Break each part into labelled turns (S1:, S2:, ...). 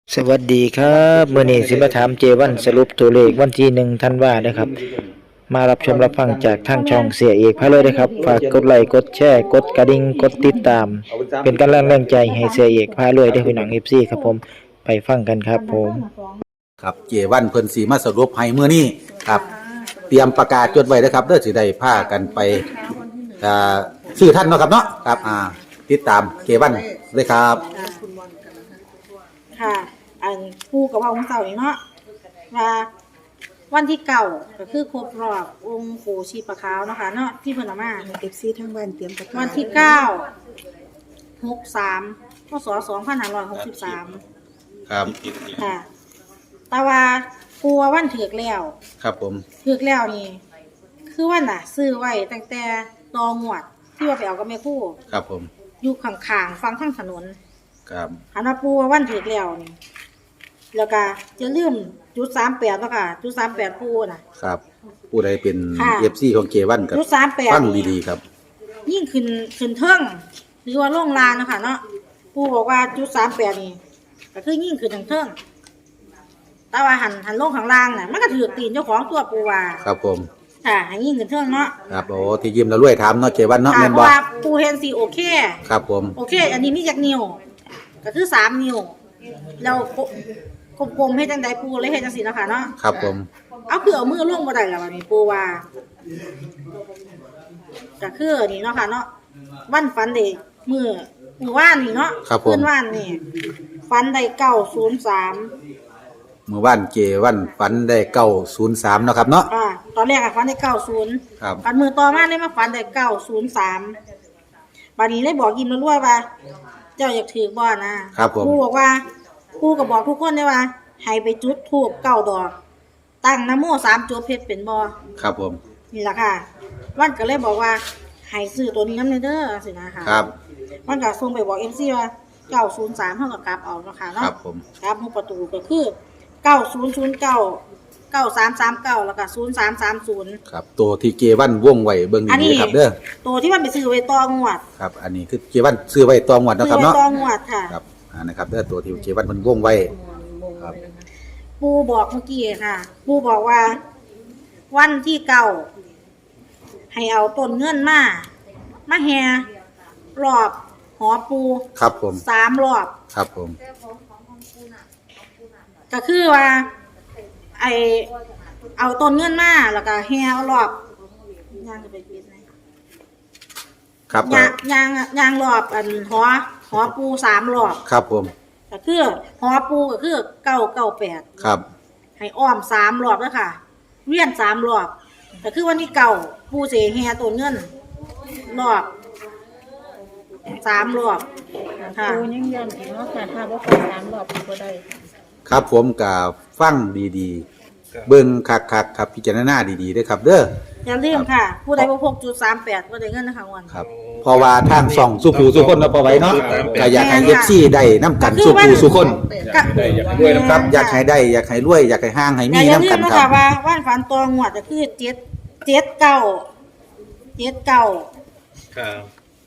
S1: สวัสดีครับมื้อนี้สิมาถามเจวันสรุปตัวเลขวันที่1ธันวาคมนะครับมารับชมรับฟังจากทางช่องเสียเอกพาเลยนะครับฝากกดไลค์กดแชร์กดกระดิ่งกดติดตามเป็นกำลังแรงใจให้เสียเอกพาเลยได้พี่น้อง FC ครับผมไปฟังกันครับผม
S2: ครับเจวันเพิ่นสีมาสรุปให้มื้อนี้ครับเตรียมประกาศจดไว้นะครับเด้อสิได้พากันไปซื้อท่านเนาะครับเนาะครับติดตามเจวันเลยครับ
S3: ค่ะ อันผู้กับว่าของเสานี่เนาะว่าวันที่เก่าก็คือครบรอบองค์ปู่ชีปะขาวเนาะค่ะเนาะที่เพิ่นเอามา
S4: FC ทั้งบ้านเตรียมประกาศ
S3: วันที่9/63พศ2563
S2: ครับ
S3: ค่ะแต่ว่าปู่ว่าวันถึกแล้ว
S2: ครับผม
S3: ถึกแล้วนี่คือวันน่ะ ซื้อไว้ตั้งแต่ตองวดที่ว่าไปเอากับแม่ครู่
S2: ครับผม
S3: อยู่ข้างๆฟังข้างถนน
S2: ครับ
S3: หันมาปูว่าวันถึกแล้วนี่แล้วก็จะลืมจุด38แล้วค่ะจุด38ปูน่ะ
S2: ครับผู้ใดเป็น
S3: ค่ะ
S2: FC ของเจวันก็
S3: จุด38
S2: ฟังดีๆครับ
S3: ยิ่งขึ้นเทิงหรือว่าลงลานนะคะเนาะปูบอกว่าจุด38นี่ก็คือยิ่งขึ้นทางเทิงแต่ว่าหันลงข้างล่างน่ะมันก็ถือตีนเจ้าของตัวปูว่า
S2: ครับผม
S3: ค่ะให้ยิ่งขึ้นเทิงเนาะ
S2: ครับโอ้ที่ยิ้มแล้วรวยถามเนาะเจวันเนาะ
S3: ค่ะ
S2: แม่น
S3: เพ
S2: บ่
S3: ราะว่าปูเห็นสิโอเค
S2: ครับผม
S3: โอเค อันนี้มีจักนิ้วก็คือ3นิ้วแล้วกลมๆให้จังไดปูเลยเฮ็ดจังซี่เนาะค่ะเนาะ
S2: ครับผม
S3: เอาคือเอามือลงบ่ได้แล้วบัดนี้ปูว่าก็คือนี่เนาะค่ะเนาะวันฝันเด้มื้อวานนี่เนาะ
S2: ครับผม
S3: นวานนี่ฝันได้903
S2: เมื่อวานเจวันฝันได้903เนาะครับเนาะ
S3: ตอนแรกอะฝันได้90
S2: ครับ
S3: ฝันมื้อต่อมาเลยมาฝันได้903บัดนี้เลยบอกยิ้มรวยๆว่า เจ้าอยากถือบ่นะครับ
S2: ผม
S3: ครูบอกว่าครูก็บอกทุกคนเลยว่าให้ไปจุดธูป9ดอก ตั้งนะโม3จบเพชรเป็นบ่
S2: ครับผม
S3: นี่ล่ะค่ะวันก็เลยบอกว่าให้ซื้อตัวนี้นำเด้อสินะคะ
S2: ครับ
S3: วันก็ส่งไปบอก MC ว่า903เฮาก็กลับเอาเนาะค่ะ
S2: ค
S3: เนาะ
S2: รับผม
S3: ครับหัวประตูก็คือ9009 9339แล้วก็0330
S2: ครับตัวที่เจวันวงไว้เบิ่ง
S3: อันนี้
S2: ดีๆครับเด้อ
S3: ตัวที่มันไปซื้อไว้ตองวด
S2: ครับ อันนี้คือเจวันซื้อไว้ตองวัด
S3: ซื้
S2: เนาะ
S3: อ
S2: ครับ
S3: ไว้
S2: เนาะ
S3: ตองวดค่ะ
S2: ครับนะครับเด้อตัวที่เจวันมันวงไว้ครับ
S3: ปูบอกเมื่อกี้ค่ะ ปูบอกว่า วันที่เก่าให้เอาต้นเงินมาแห่รอบหอปู
S2: ครับผม
S3: 3 รอบ
S2: ครับผม
S3: ก็คือว่า เอาต้นเงินมาแล้วก็แห่เอารอบย่างจะไปปิดไหน
S2: ครับ
S3: ย่างรอบอันหอปู3 รอบ
S2: ครับผม
S3: ก็คือหอปูก็คือ998
S2: ครับ
S3: ให้อ้อม3 รอบแล้วค่ะเวียน3 รอบก็คือวันที่เก่าปูเสแห่ต้นเงินรอบ3 รอบค่ะ
S4: ปูยังยันอีกเนาะค่ะถ้าบ่ฟัง3รอบก็ได้ค่ะ
S2: ครับผมกับฟังดีๆ เบิ่งคักๆครับพิจารณาดีๆด้วยครับ เด้อ
S3: อย่าลืมค่ะ ผู้ใดบ่พกจุด38บ่ได้เงินนะคะวัน
S2: ครับเพราะว่าทางส่องสุขูสุคนเนาะพอไว้เนาะก็อยากให้ FC ได้นํกันสุขูสุคน
S3: ก็
S5: ได้อยากรวยน้ำ
S2: ครับอยากให้ได้อยากให้รวยอยากให้ห้างให้มี
S3: อย่า
S2: นํ
S3: ลื
S2: กั
S3: ม
S2: น
S3: นะ
S2: ค
S3: คะ
S2: รับ
S3: ว่าว่านฝันตัวงวดก็คือ79
S5: ครับ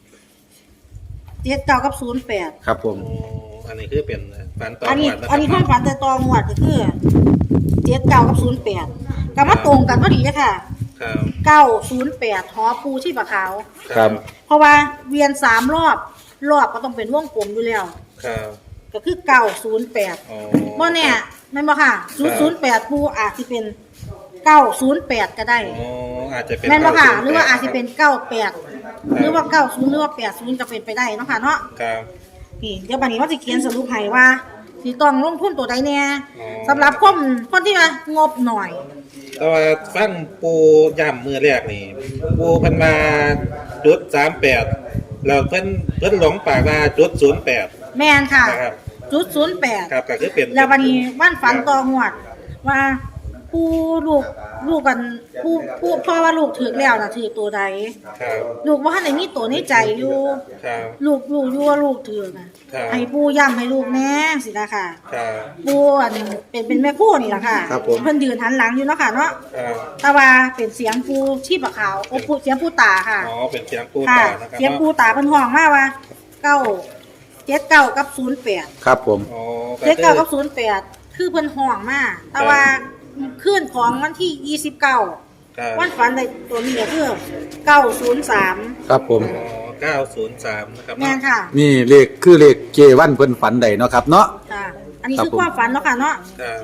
S3: กับ08
S2: ครับผม
S5: โอ้อันนี้คือเป็นฝันต่อ
S3: อันนี้
S5: วัดะครับ
S3: อันนี้ความฝันแต่ตัวงวดก็คือ79กับ08ก็มาตรงกันพอดีเลยค่ะ
S5: ครับ
S3: 908หอปูที่ปะขาว
S2: ครับ
S3: เพราะว่าเวียน3 รอบก็ต้องเป็นวงกลมอยู่แล้ว
S5: ครับ
S3: ก็คือ908
S5: อ๋อ
S3: บ่แน่แม่นบ่ค่ะ008ปูอาจสิเป็น908ก็ได้
S5: อ๋ออาจจะเป็น
S3: แม่นบ่ค่ะ
S5: 908
S3: หรือว่าอาจสิเป็น98หรือว่า90หรือว่า80ก็เป็นไปได้เนาะค่ะเนาะ
S5: ครับ
S3: นี่เดี๋ยวบัดนี้ว่าสิเขียนสรุปให้ว่าสิต้องลงทุนตัวใดแน่
S5: อ๋อ
S3: สำหรับคนที่ว่างบหน่อย
S5: แต่ว่าฟังปูย่ำมือแรกนี่ปูเพิ่นมาจุด38แล้วเพิ่นหลงปากว่าจุด08
S3: แม่นค่ะ
S5: นะครับ
S3: จุด08
S5: ครับก็คือเป็น
S3: แล้ววันนี้บ้านฝันตองหวดว่าผู้ลูกกันผู้พ่อว่าลูกถือแล้วนะถือตัวใด
S5: ครับ
S3: ลูกว่าในนี้ตัวในใจอยู่
S5: ครับ
S3: ลูกอยู่ว่าลูกถือนะครับ ให้ปู่ย้ำให้ลูกแน่สินะค่ะ
S5: ครับ
S3: ปู่อันเป็นแม่คู่นี่แหละค่ะ
S2: ครับผม
S3: เพิ่นยืนหันหลังอยู่เนาะค่ะเนาะ
S5: ครับ
S3: แต่ว่าเป็นเสียงปู่ชีพขาวโอ้ปู่เสียงปู่ตาค่ะ
S5: อ๋อเป็นเสียงปู
S3: ค่ะ
S5: ตานะครับ
S3: เสียงปู่ตาเพิ่นห้องมาว่าเก้า 79กับ08
S2: ครับผม
S5: อ๋อ
S3: 79กับ08คือเพิ่นห้องมาแต่ว่าคืนของวันที่29วันฝันได้ตัวนี้ก็คือ903
S2: ครับผม
S5: อ๋อ903นะครับ
S3: แม่นค่ะ
S2: นี่เลขคือเลขเกวันเพิ่นฝันใดเนาะครับเนาะ
S3: ค่ะ อันนี้
S2: ครับ
S3: คือ
S2: ผม
S3: ความฝันเนาะค่ะเนาะ
S5: ครับ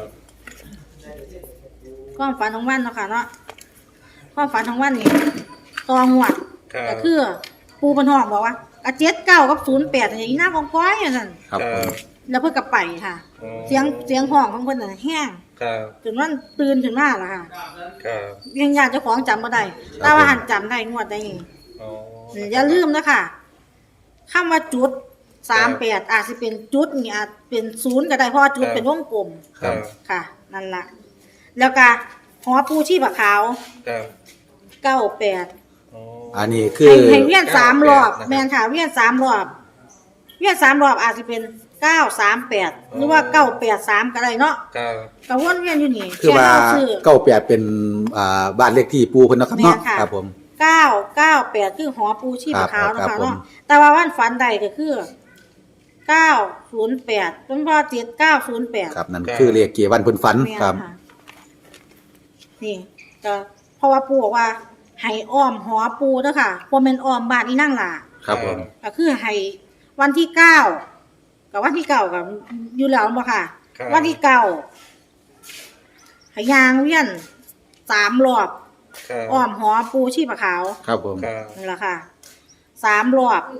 S3: ความฝันของวันเนาะค่ะเนาะความฝันของวันนี่ตองหวด
S5: ครับ
S3: ก็คือปูเพิ่นห้องบอกว่าก็79กับ08อย่างนี้หน้ากองก้อยอย่างนั้น
S2: ครับผม
S3: แล้วเพิ่นก็ไปค่ะ
S5: อ๋อ
S3: เสียงห้องของเพิ่นน่ะแห้ง
S5: ครับ
S3: จนวันตื่นขึ้นมาล่ะค่ะ
S5: ครับ
S3: ยังญาติเจ้าของจำบ่ได้แต่ว่าหันจำได้งวดได้นี่
S5: อ๋อ
S3: อย่าลืมนะคะคำว่าจุด38อาจสิเป็นจุดนี่อาจเป็น0ก็ได้เพราะว่าจุดเป็นวงกลม
S5: ครับ
S3: ค่ะ นั่นล่ะ แล้วก็หอปูชีพขาว
S5: ครับ
S3: 98
S5: อ๋อ
S2: อันนี้คือ
S3: ให้เวียน3รอบ
S5: นะครับ
S3: แม่นค่ะเวียน3รอบเวียน3รอบอาจสิเป็น938หรือว่า983ก็ได้เนาะ
S5: ครับ
S3: ก็วนเวียนอยู่นี่
S2: คือว่า
S3: แค่เรซื้อ
S2: 98เป็นบ้านเลขที่ปูเพิ่นเนาะครับเนาะ
S3: แม่นค่ะ
S2: ครับผม
S3: 998คือหอปูชีพขาว
S2: ครับ
S3: เนาะค่ะ
S2: ผม
S3: เนาะแต่ว่าวันฝันใดก็คือ908เป็นพ่อ7908
S2: ครับนั่นคือเลขเกวันเพิ่นฝัน
S3: แม่น
S2: ครับ
S3: ค่ะนี่ก็เพราะว่าปู่บอกว่าให้อ้อมหอปูเด้อค่ะบ่แม่นอ้อมบ้านอีนั่งล่ะ
S2: ครับผม
S3: ก็คือให้วันที่9กับวันที่9กับอยู่แล้วบ่ค่ะ
S5: ครับ
S3: วันที่9ให้ยางเวียน3รอบ
S5: ครับ
S3: อ้อมหอปูชีพขาว
S2: ครับผม
S5: ครับ
S3: นี่ล่ะค่ะ3รอบ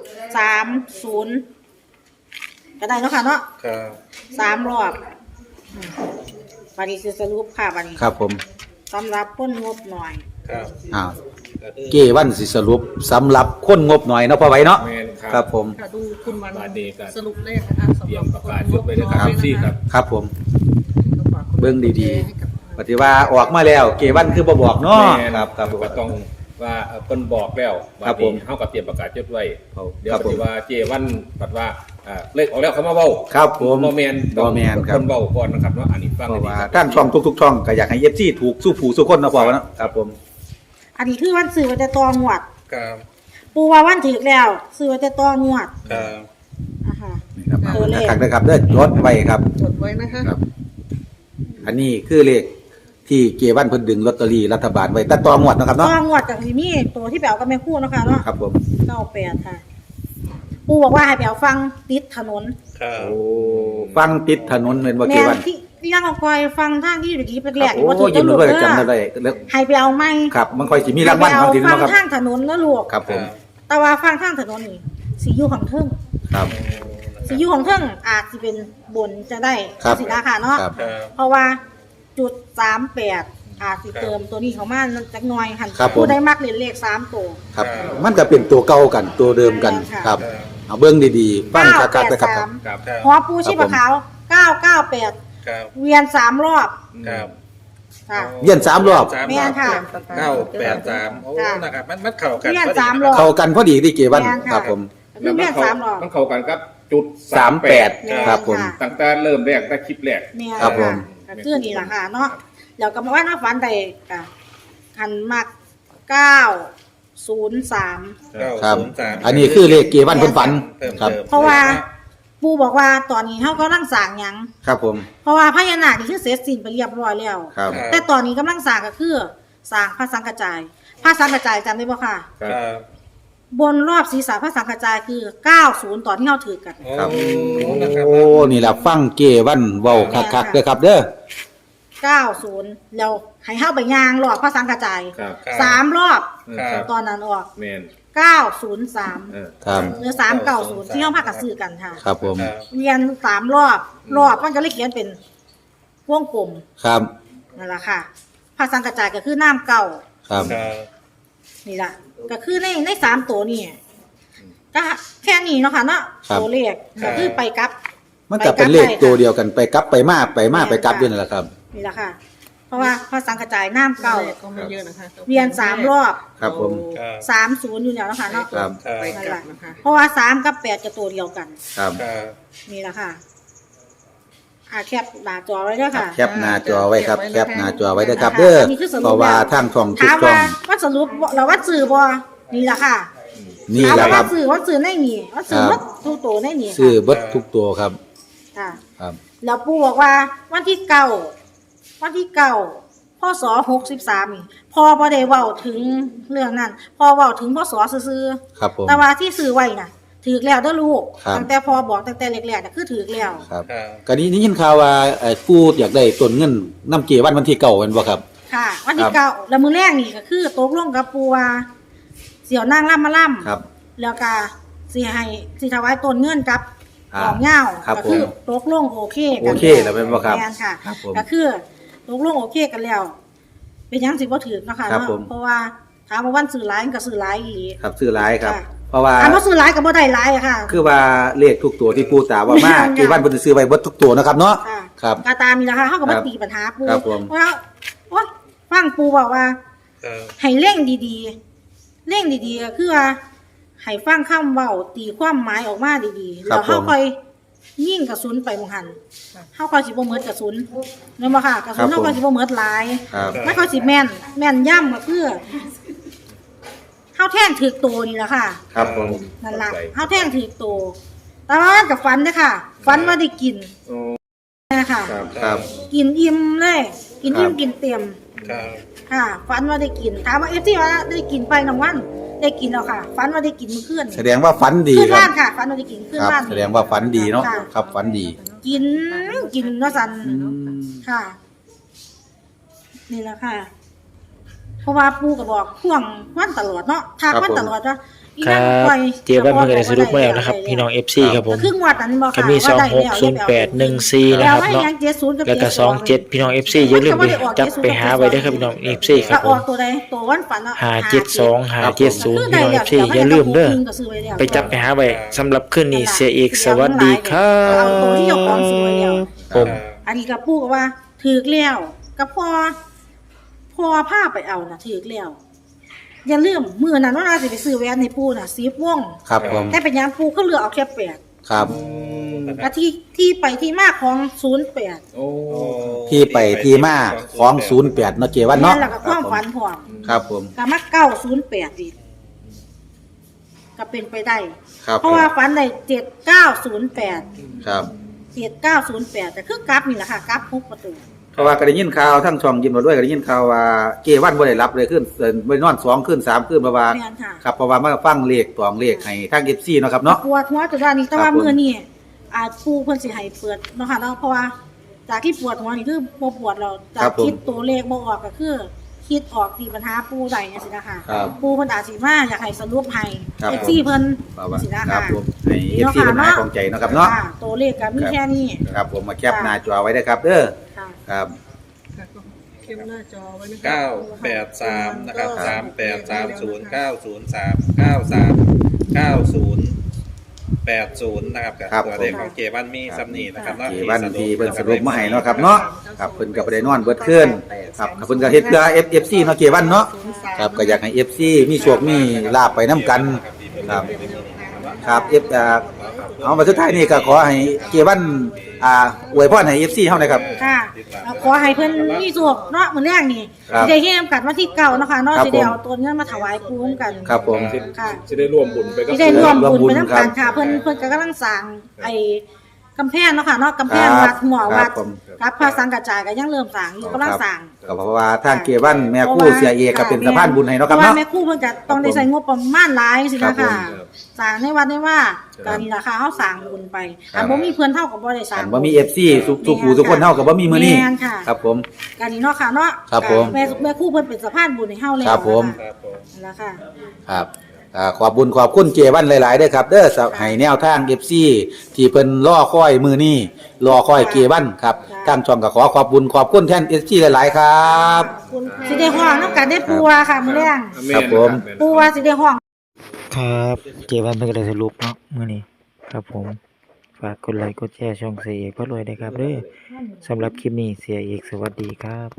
S3: 30ก็ได้เนาะค่ะเนาะ
S5: ครับ
S3: 3รอบบัดนี้สิสรุปค่ะบัดนี้
S2: ครับผม
S3: สำหรับคนงบหน่อย
S5: ครับ
S2: อ้าว
S5: ก็คือ
S2: เกวันสิสรุปสำหรับคนงบหน่อยเนาะพอไว้เนาะ
S6: แมนค
S2: ค
S6: รั
S2: รั
S6: บบ
S2: ผม
S4: ค่ะดูคุณวัน
S6: บาดนี้ก็
S4: สรุปเลขนะคะสำ
S6: เตรี
S4: ห
S6: ย
S4: รับ
S6: มประกาศยกไปเลยครับซี่ครับ
S2: ครับผม
S4: ก็ฝากก
S2: เบิ่งดี
S4: ให้กับ
S2: ปฏิว่าออกมาแล้วเกวันคือบ่บอกเนาะ
S6: แม่น
S2: ครับครับผม
S6: ก็ต้องว่าเพิ่นบอกแล้ว
S2: ครับผม
S6: เฮาก็เตรียมประกาศยดไว้เดี๋ยว
S2: ครับ
S6: ป
S2: ผม
S6: ฏิว่าเจวันปัดว่าเลขออกแล้วเขามาเว้า
S2: ครับผม
S6: บ่แม่น
S2: บ่แม่นครับ
S6: เพิ่นเว้าก่อนนะครับเนาะอันนี้ฟัง
S2: เพ
S6: ให้
S2: ราะ
S6: ดี
S2: ว่า
S6: ครับ
S2: ท่านช่องทุกๆช่องก็อยากให้ FC ถูกสู้ผู้สู้คนเนาะพอวะเนาะครับผม
S3: อันนี้คือวันซื้อไว้แต่ตองวด
S5: ครับ
S3: ปูว่าวันถึกแล้วซื้อไว้แต่ตองวด
S5: ครับ
S3: อ่ะค่ะ
S2: นี่ครับ
S3: ตัวเลข
S2: นะครับนะครับเด้อจดไว้ครับ
S4: จดไว้นะคะ
S2: ครับ อันนี้คือเลขที่เกวันเพิ่นดึงลอตเตอรี่รัฐบาลไว้แต่ต่องวดเนาะครับ
S3: ต
S2: เนาะ
S3: องวดกับสิมีตัวที่แปลกับแม่คู่เนาะค่ะเนาะ
S2: ครับผม
S3: 98ค่ะ ปูบอกว่าให้ไปเอาฟังติดถนน
S5: ครับ
S2: โอ้ฟังติดถนนเหมือนว่าเก
S3: แม่
S2: วัน
S3: ที่นั่งเอาคอยฟังทางที่อยู่ดีแรกๆ
S2: โอ้
S3: ว่าถูก
S2: ยิ้ม
S3: ตำรวจ
S2: ด้วย
S3: เด้
S2: จำได้
S3: อ
S2: แล้ว
S3: ให้ไปเอาไม้
S2: ครับ มันค่อยสิมีรางวัล
S3: ให้
S2: บาง
S3: ไป
S2: ที
S3: เอาฟั
S2: เนาะครับ
S3: ทางถนนนะลูก
S2: ครับผม
S3: แต่ว่าฟังทางถนนนี่สิอยู่ของเทิง
S2: ครับ
S3: สิอยู่ของเทิงอาจสิเป็นบนจะได้
S2: ครับ
S3: สิราคาเนาะ
S2: ครับ
S5: ครับ
S3: เพราะว่าจุด38อาจสิเติมตัวนี้เข้ามาจักหน่อยหัน
S2: ครับผม
S3: ผู้ได้มักเล่นเลข3ตัว
S2: ครับ มันก็เป็นตัวเก่ากันตัวเดิมกัน
S3: ค่ะ
S2: ครับ เอาเบิ้งดีๆฟังคักๆนะครับ
S3: 983
S6: ครับ
S5: ครับ
S3: หัวปูชีพขาว998
S5: ครับ
S3: เวียน3รอบ
S5: ครับ
S3: ค่ะ
S2: เวียน3รอบ
S3: แม่นค่ะ
S5: 983โอ้
S3: ค่ะ
S5: นะครับมันเข้ากัน
S3: เวียน
S5: พอดี
S3: 3รอบ
S2: เข้ากันพอดีที่เกวัน
S3: แม่นค่ะ
S2: ครับผม
S3: คือเวียน3รอบ
S6: มันเข้ากันครับจุด
S2: 38ครับผม
S6: ตั้งแต่เริ่มแรกแต่คลิปแรก
S3: แม่น
S2: ครับผม
S3: ก็คือนี่ล่ะค่ะเนาะแล้วก็มาว่าน้าฝันได้ก็หันมัก903
S2: ครับ
S5: 903
S2: อันนี้คือเลขเกวันเพิ่นฝัน
S5: เพิ่ม
S2: ครับ
S5: เติม
S3: เพราะว่า ปู่บอกว่าตอนนี้เฮากำลังสร้างหยัง
S2: ครับผม
S3: เพราะว่าพญานาคนี่คือเสร็จสิ้นไปเรียบร้อยแล้ว
S2: ครับ
S3: แต่ตอนนี้กำลังสร้างก็คือสร้างพระสังฆจายพระสังฆจายจำได้บ่ค่ะ
S6: ครับ
S5: ครับ
S3: บนรอบศีรษะพระสังฆจายคือ90ตอนที่เฮาถือกัน
S2: ครับ
S5: โอ้นะครับ
S2: โอ้ นี่แหละฟังเกวันเว้าคักๆเด้อครับเด้อ
S3: 90แล้วให้เฮาไปย่างรอบพระสังฆจาย
S6: ครับ
S3: 3รอบ
S5: ครับ
S3: ตอนนั้นออก
S6: แมน
S3: 903
S2: ครับ
S3: หรือ390ที่เฮาพากันซื้อกันค่ะ
S2: ครับผม
S5: ครับ
S3: เรียน3รอบมันก็เลยเขียนเป็นวงกลม
S2: ครับ
S3: นั่นแหละค่ะพระสังฆจายก็คือน้ำเก่า
S2: ครับ
S5: ครับ
S3: นี่ล่ะก็คือใน3ตัวนี่ก็แค่นี้เนาะค่ะเนาะ
S2: ครับ
S3: ตัวเลขก็คือไปกลับ
S2: มันก็เป็นเลขตัวเดียวกันไปกลับไปมาไปกลับอยู่นั่นแหละครับ
S3: นี่แหละค่ะ เพราะว่าพระสังฆจายน้ำเก่า
S4: เลขก็ไม่เยอะนะคะ
S3: เรียน3รอบ
S2: ครับผม
S5: ครับ
S3: 30อยู่แล้วเนาะค่ะเนาะ
S2: ครับ
S4: ไปกลับนะคะ
S3: เพราะว่า3กับ8จะตัวเดียวกัน
S2: ครับ
S5: ครับ
S3: นี่แหละค่ะแคปหน้าจอไว้ด้วยค่ะ
S2: แคปหน้าจอไว้ครับ แคปหน้าจอไว้เด้อครับ เด้อ
S3: อันนี้คือสรุป
S2: เพราะว่าทางช่องทุก
S3: ถาม
S2: ช่อ
S3: ว่าง ว่าสรุปเราว่าสื่อบ่นี่แหละค่ะ
S2: นี่แหละครับ
S3: ว่าซื้อในนี่ว่าซื้อวัดทุกตัวในนี่
S2: ซื้อเบิดทุกตัวครับ
S3: ค่ะ
S2: ครับ
S3: แล้วปู่บอกว่าวันที่เก้าพศ63นี่พอบ่ได้เว้าถึงเรื่องนั้นพอเว้าถึงพศซื่อ
S2: ครับผม
S3: ๆแต่ว่าที่ซื้อไว้น่ะถือแล้วเด้อลูก
S2: ครับ
S3: ตั้งแต่พอบอกตั้งแต่แรกๆน่ะคือถือแล้ว
S2: ครับ
S5: ครับ
S2: ก็นี้ได้ยินข่าวว่ากูอยากได้ต้นเงินน้ำเกวันที่เก่าแม่นบ่ครับ
S3: ค่ะ วันที่
S2: ครับ
S3: เก้าแล้วมื้อแรกนี่ก็คือตกลงกับปู่ว่าเสี่ยวนางล่ำมาล่ำ
S2: ครับ
S3: แล้วก็สิถวายต้นเงินกับ
S2: อ่า
S3: ดอกเหย้า
S2: ครับ
S3: ก็คือ
S2: ผม
S3: ตกลงโอเคกัน
S2: โอเคแล้วเป็นบ่ครับ
S3: แม่นค่ะ
S2: ครับผม
S3: ก็คือตกลงโอเคกันแล้ว เป็นหยังสิบ่ถือเนาะค่ะ
S2: ครับ
S3: เนาะ
S2: ผม
S3: เพราะว่าถามว่าวันซื้อหลายมันก็ซื้อหลายอีหลี
S2: ครับซื้อหลายครับ
S3: ค่ะ
S2: เพราะว่า
S3: ถามว่าซื้อหลายก็บ่ได้หลายอะค่ะ
S2: คือว่าเลขทุกตัวที่ปูตาว่ามา
S3: แม่นค่ะ
S2: เกวันเพิ่นซื้อไว้เบิดทุกตัวนะครับเนาะ
S3: ค่ะ
S2: ครับ
S3: กาตามนี่ล่ะค่ะเฮาก็
S2: ครั
S3: มา
S2: บ
S3: ตีปัญหาปู
S2: ครับผม
S3: ว่าโอ๊ยฟังปูบอกว่า
S5: ครับ
S3: ให้เร่งดีๆ เร่งดีๆก็คือว่าให้ฟังคำเว้าตีความหมายออกมาดีๆ
S2: ครั
S3: แล้
S2: บ
S3: วเฮา
S2: ผม
S3: ค่อยยิงกระสุนไปหมองหันเฮาค่อยสิบ่เหมิดกระสุนแม่นบ่ค่ะกระสุนเฮาค่อยสิบ่เหมิดหลาย
S2: ครับ
S3: ไม่ค่อยสิแม่นย่ำก็คือเฮาแท่งถือตัวนี่แหละค่ะ
S2: ครับผม
S3: นั่นล่ะเฮาแท่งถือตัวแต่ว่ากับฟันเด้อค่ะฟันว่าได้กิน
S6: โอ้
S3: นะคะ
S6: ครับ
S2: ครับ
S3: กินอิ่มเลยกินอิ่ม
S2: ครับ
S3: กินเต็ม
S5: ครับ
S3: ค่ะฟันว่าได้กินถามว่าที่ว่าได้กินไปน้องวันได้กินแล้วค่ะฟันว่าได้กินมื้อคืน
S2: แสดงว่าฝันดี
S3: ขึ้น
S2: ครั
S3: บ้า
S2: บ
S3: นค่ะฟันว่าได้กินขึ้น
S2: ครับ
S3: บ้าน
S2: แสดงว่าฝันดีเนาะ
S3: ค่ะ
S2: ครับฝันดี
S3: กินว่าสัน
S2: อืม
S3: ค่ะ นี่แหละค่ะ เพราะว่าปู่ก็บอกพ่วงวันตลอดเนาะทักวันตลอดว่าอี
S1: ครั
S3: นั่
S1: บ
S3: งปล่อย
S1: เจวันเพิ่นก็ได้สรุปมาแล้วนะครับ พี่น้อง FC ครับผม
S3: ครึ่งวัดนั้นบอก
S1: ก็
S3: ค่ะ
S1: มี
S3: ว่าได้แล้ว
S1: 260814นะครับเนาะ แล้วก็27พี่น้อง FC อย่าลืมไปจับไปหาไว้เด้อครับพี่น้อง FC ค
S3: แล้
S1: รั
S3: ว
S1: บผ
S3: ออ
S1: ม
S3: กตัวใดตัววันฝันเนาะ
S1: 572 570พี่น้อง FC อย่าลืมเด้อไปจับไปหาไว้สำหรับคืนนี้เสียเอกสวัสดีครั
S3: เอาตัวที่เจ้าของซื้อไว้แล้ว
S1: ผม
S3: อันนี้กับปู่ก็ว่าถือแล้วกับพ่อพาไปเอาน่ะถือแล้วอย่าลืมมื้อนั้นว่าสิไปซื้อแหวนให้ปู่น่ะ10วง
S2: ครับผม
S3: แต่เป็นหยังปู่ก็เหลือเอาแค่8
S2: ครับ
S3: และที่ไปที่มาของ08
S6: โอ้
S2: ที่ไปที่มาของ08เนาะเกวันเนาะ
S3: แม่นแล้วก็ความฝันพร้อม
S2: ครับผม
S3: ก็มา908อีกก็เป็นไปได้
S2: ครับ
S3: เพราะว่าฝันได้7908
S2: ครับ
S3: 7908แต่คือกราฟนี่แหละค่ะกราฟ6ประตู
S2: เพราะว่าก็ได้ยินข่าวทั้งช่องยิ้มมาด้วยก็ได้ยินข่าวว่าเกวันบ่ได้รับเลยขึ้นบ่ได้นอน2คืน3คืนเพราะว่า
S3: แม่นค่ะ
S2: ครับเพราะว่ามาฟังเลขตองเลขให้ทาง FC เนาะครับเนาะ
S3: ปวดหัวจนว่านี้แต่ว่า
S2: ครับผม
S3: มื้อนี้อาจปูเพิ่นสิให้เปิดเนาะค่ะเนาะเพราะว่าจากที่ปวดหัวนี่คือบ่ปวดแล้วจากคิดตัวเลขบ่ออกก็คือคิดออกตีปัญหาปูได้จังซี่นะคะ
S2: ครับ
S3: ปูเพิ่นอาจสิมาอยากให้สรุปให้
S2: ครับ
S3: FC เพิ่น
S2: เพราะว่า
S3: สินะ
S2: ครั
S3: คะ
S2: บผมให้ FC เป็นหายของใจเนาะครับเนาะ
S3: ค่ะตัวเลขก็มีแค่นี้
S2: ครับผมมาแคปหน้าจอไว้ได้ครับเด้อ
S3: ค่ะ
S2: ครับ
S4: ค่ะก็เข้มหน้าจอไว้นะคะ
S5: 983นะครับ3830 903 93 90 นะครับกับ
S2: ครับ
S5: ตัวเลขของเกวันมีซัมนี่นะครับเนาะ
S2: เกวันทีเพิ่นสรุปมาให้เนาะครับเนาะครับเพิ่นก็บ่ได้นอนเบิดคืนครับเพิ่นก็เฮ็ดเพื่อ FC เนาะเกวันเนาะครับก็อยากให้ FC มีโชคมีลาภไปนํกันครับครับเอามาสุดท้ายนี่ก็ขอให้เกวันอวยพรให้ FC เฮาหน่อยครับ
S3: ค่ะขอให้เพิ่นมีสุขเนาะมื้อแรกนี่
S2: ครับ
S3: สิได้เฮ็ดกันวันที่เก้าเนาะค่ะเนาะ
S2: ครับ
S3: สิได้เอาตัวเงินมาถวายปู่กัน
S2: ครับผม
S3: ค่ะ
S6: จะได้ร่วมบุญไปกับ
S3: ที่ได้ร่วมบุญไป
S2: ร่วมบุญ
S3: น้ำ
S2: ครั
S3: กับ นค่ะ เพิ่นก็กำลังสร้างไอ้กำแพงเนาะค่ะเนาะกำแพง
S2: ครับ
S3: วัดหัววัด
S2: ครับผม
S3: รับพระสังกัจจายก็ยังเริ่มสร้างอยู่กำลังสร้าง
S2: ก็เพราะว่าทางเกวันแม่ครู่เสียเอกก็เป็นสะพานบุญให้เนาะครับ
S3: เพราะว่า
S2: เนาะ
S3: แม่ครู่เพิ่นจะต้องได้ใช้งบประมาณหลายสิ
S2: ครั
S3: นะ
S2: บผม
S3: ค่ะสร้างในวัดได้ว่า
S2: ครั
S3: ก็
S2: บ
S3: นี่ล่ะค่ะเฮาสร้างบุญไป
S2: ครับ
S3: บ่มีเพิ่นเท่ากับบ่ได้สร้าง
S2: อันบ่มี FC ทุกผู้ทุกคนเฮาก็บ่มีมื้อนี้
S3: แม่นค่ะ
S2: ครับผม
S3: ก็นี่เนาะค่ะเนาะ
S2: ครับผม
S3: แม่ครู่เพิ่นเป็นสะพานบุญให้เฮาแล้ว
S2: ครับผม
S5: ครับผม
S3: นั่นล่ะค่ะ
S2: ครับขอบบุญขอบคุณเจวันหลาย ๆเด้อครับ เด้อสให้แนวทาง FC ที่เพิ่นรอคอยมื้อนี้รอคอยเจวันครับทางช่องก็ขอขอบบุญขอบคุณแทน FC หลาย ๆ ครับ
S3: สิได้ฮ้องนำกันได้ปัวค่ะมื้อแรง
S2: ครับผม
S3: ปัวสิได้ฮ้อง
S1: ครับเจวันเพิ่นก็ได้สรุปเนาะมื้อนี้ครับผมฝากกดไลค์กดแชร์ช่องเสียเอกพระรวยด้วยครับเด้อสำหรับคลิปนี้เสียเอกสวัสดีครับ